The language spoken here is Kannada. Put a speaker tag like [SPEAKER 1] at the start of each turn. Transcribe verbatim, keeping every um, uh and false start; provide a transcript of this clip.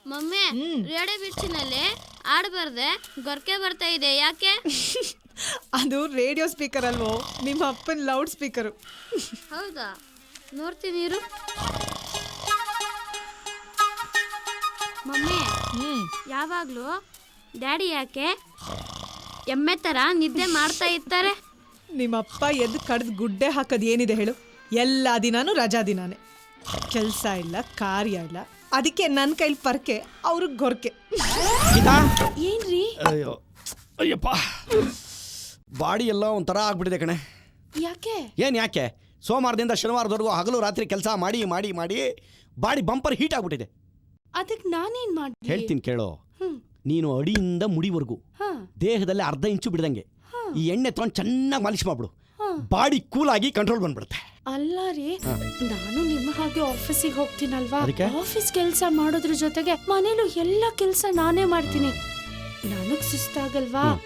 [SPEAKER 1] ಮಮ್ಮಿ ರೇಡಿಯೋ ಬಿಚ್ಚಿನಲ್ಲಿ ಆಡಬಾರ್ದೆ ಗೊರಕೆ ಬರ್ತಾ ಇದೆ ಯಾಕೆ?
[SPEAKER 2] ಅದು ರೇಡಿಯೋ ಸ್ಪೀಕರ್ ಅಲ್ವೋ, ನಿಮ್ಮ ಅಪ್ಪನ ಲೌಡ್ ಸ್ಪೀಕರು.
[SPEAKER 1] ಹೌದಾ? ನೋಡ್ತೀನಿ ಇರು. ಮಮ್ಮಿ ಯಾವಾಗ್ಲೂ ಡ್ಯಾಡಿ ಯಾಕೆ ಎಮ್ಮೆ ತರ ನಿದ್ದೆ ಮಾಡ್ತಾ ಇರ್ತಾರೆ?
[SPEAKER 2] ನಿಮ್ಮಪ್ಪ ಎದ್ದು ಕಡ್ದು ಗುಡ್ಡೆ ಹಾಕೋದು ಏನಿದೆ ಹೇಳು? ಎಲ್ಲ ದಿನಾನು ರಜಾ ದಿನಾನೇ, ಕೆಲಸ ಇಲ್ಲ ಕಾರ್ಯ ಇಲ್ಲ, ಅದಕ್ಕೆ ನನ್ನ ಕೈಲಿ ಪರ್ಕೆ ಅವ್ರಿಗೆ ಗೊರಕೆ.
[SPEAKER 3] ಏನ್ರಿ?
[SPEAKER 4] ಅಯ್ಯೋ ಅಯ್ಯಪ್ಪ, ಬಾಡಿ ಎಲ್ಲ ಒಂಥರ ಆಗ್ಬಿಟ್ಟಿದೆ ಕಣೆ.
[SPEAKER 3] ಯಾಕೆ?
[SPEAKER 4] ಏನು ಯಾಕೆ? ಸೋಮವಾರದಿಂದ ಶನಿವಾರದವರೆಗೂ ಹಗಲು ರಾತ್ರಿ ಕೆಲಸ ಮಾಡಿ ಮಾಡಿ ಮಾಡಿ ಬಾಡಿ ಬಂಪರ್ ಹೀಟ್ ಆಗ್ಬಿಟ್ಟಿದೆ.
[SPEAKER 3] ಅದಕ್ಕೆ ನಾನೇನ್ ಮಾಡಿ
[SPEAKER 4] ಹೇಳ್ತೀನಿ ಕೇಳೋ. ನೀನು ಅಡಿಯಿಂದ ಮುಡಿವರೆಗೂ ದೇಹದಲ್ಲಿ ಅರ್ಧ ಇಂಚು ಬಿಡ್ದಂಗೆ ಈ ಎಣ್ಣೆ ತಗೊಂಡು ಚೆನ್ನಾಗಿ ಮಾಲಿಶ್ ಮಾಡ್ಬಿಡು, ಬಾಡಿ ಕೂಲ್ ಆಗಿ ಕಂಟ್ರೋಲ್ ಬಂದ್ಬಿಡುತ್ತೆ.
[SPEAKER 3] ಅಲ್ಲ ರೀ, ನಾನು ನಿಮ್ಮ ಹಾಗೆ ಆಫೀಸಿಗೆ ಹೋಗ್ತೀನಲ್ವಾ,
[SPEAKER 4] ಅದಕ್ಕೆ?
[SPEAKER 3] ಆಫೀಸ್ ಕೆಲಸ ಮಾಡೋದ್ರ ಜೊತೆಗೆ ಮನೇಲೂ ಎಲ್ಲ ಕೆಲಸ ನಾನೇ ಮಾಡ್ತೀನಿ. ನನಗ್ ಸುಸ್ತಾಗಲ್ವಾ?